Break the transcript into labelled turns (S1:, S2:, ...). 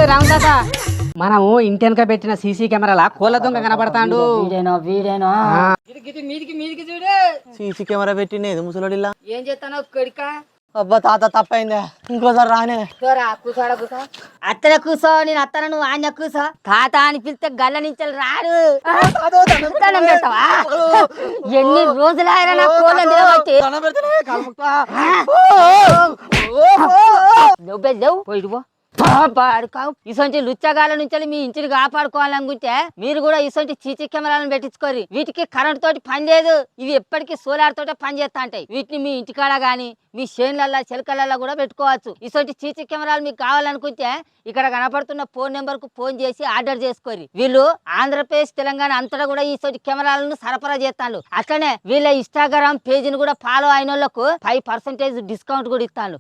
S1: రామదాత మనము ఇంటి వెనక పెట్టిన సీసీ కెమెరాల కోళ్ళ దొంగ కనబడతాండు.
S2: వీడేనో
S1: మీదికి మీదికి చూడు.
S3: సీసీ కెమెరా పెట్టిండేది ముసలోడిలా.
S1: ఏం చేస్తానో కొడుక.
S3: అబ్బా తాత తప్పైందే, ఇంకోసారి రానే.
S2: అత్తన కూసో, నేను అత్తన నువ్వు ఆయన కూసో. తాత అని పిలిస్తే గల్ల నుంచి రాడు. దండం పెడతావా? ఎన్ని రోజులైనా నా కోళ్ళ నిలబట్టి లేవు పోయిడు పాడుకోవు. ఇసొంటి లుచ్చగాల నుంచి మీ ఇంటిని కాపాడుకోవాలనుకుంటే మీరు కూడా ఇసొంటి సీసీ కెమెరాలను పెట్టించుకోరు. వీటికి కరెంట్ తోటి పని లేదు, ఇవి ఎప్పటికీ సోలార్ తోటే పని చేస్తా ఉంటాయి. వీటిని మీ ఇంటికాడ గానీ మీ చేనులల్లా చిలకలల్లా కూడా పెట్టుకోవచ్చు. ఇసొంటి సీసీ కెమెరాలు మీకు కావాలనుకుంటే ఇక్కడ కనపడుతున్న ఫోన్ నెంబర్ కు ఫోన్ చేసి ఆర్డర్ చేసుకోరు. వీళ్ళు ఆంధ్రప్రదేశ్ తెలంగాణ అంతటా కూడా ఇసొంటి కెమెరాలను సరఫరా చేస్తాను. అట్లనే వీళ్ళ ఇన్స్టాగ్రామ్ పేజీని కూడా ఫాలో అయిన వాళ్ళకు 5% డిస్కౌంట్ కూడా ఇస్తాను.